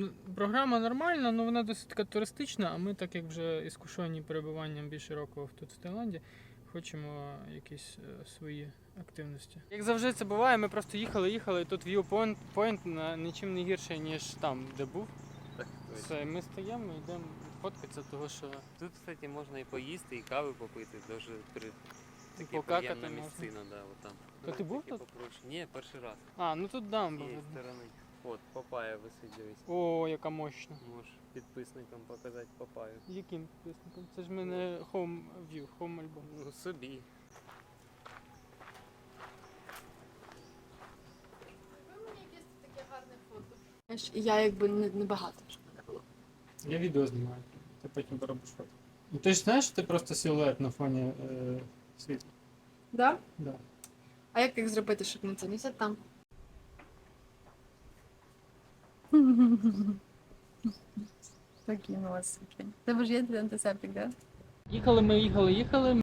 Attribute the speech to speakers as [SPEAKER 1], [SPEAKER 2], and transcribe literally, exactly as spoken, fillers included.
[SPEAKER 1] ну, програма нормальна, але вона досить така туристична, а ми, так як вже іскушені перебуванням більше року тут в Таїланді, хочемо якісь е, свої активності. Як завжди це буває, ми просто їхали, їхали, і тут viewpoint point на нічим не гірше, ніж там, де був.
[SPEAKER 2] Так,
[SPEAKER 1] Все, ми стоїмо, йдемо фоткатися, того що
[SPEAKER 2] тут, кстати, можна і поїсти, і кави попити, дуже при... таке
[SPEAKER 1] покакати
[SPEAKER 2] приємна
[SPEAKER 1] можна.
[SPEAKER 2] місцина, да, от там.
[SPEAKER 1] То ти був тут?
[SPEAKER 2] Попроще. Ні, перший раз.
[SPEAKER 1] А, ну тут
[SPEAKER 2] З
[SPEAKER 1] дамба.
[SPEAKER 2] цієї сторони. От, папая висить, дивись.
[SPEAKER 1] О, яка мощна.
[SPEAKER 2] Можеш підписникам показати папаю.
[SPEAKER 1] Яким підписником? Це ж в мене home view, home альбом.
[SPEAKER 2] Ну, собі.
[SPEAKER 3] Ви мені якесь таке гарне фото. Знаєш, я якби не, не багато вже в мене було.
[SPEAKER 1] Я відео знімаю, ти потім поробиш фото. Ну ти ж знаєш, що ти просто силует на фоні е, світла?
[SPEAKER 3] Да?
[SPEAKER 1] Да.
[SPEAKER 3] А як їх зробити, щоб не це? Не сядь там. Такий у вас. Тебе ж є антисептик, да?
[SPEAKER 1] Їхали ми, їхали, їхали.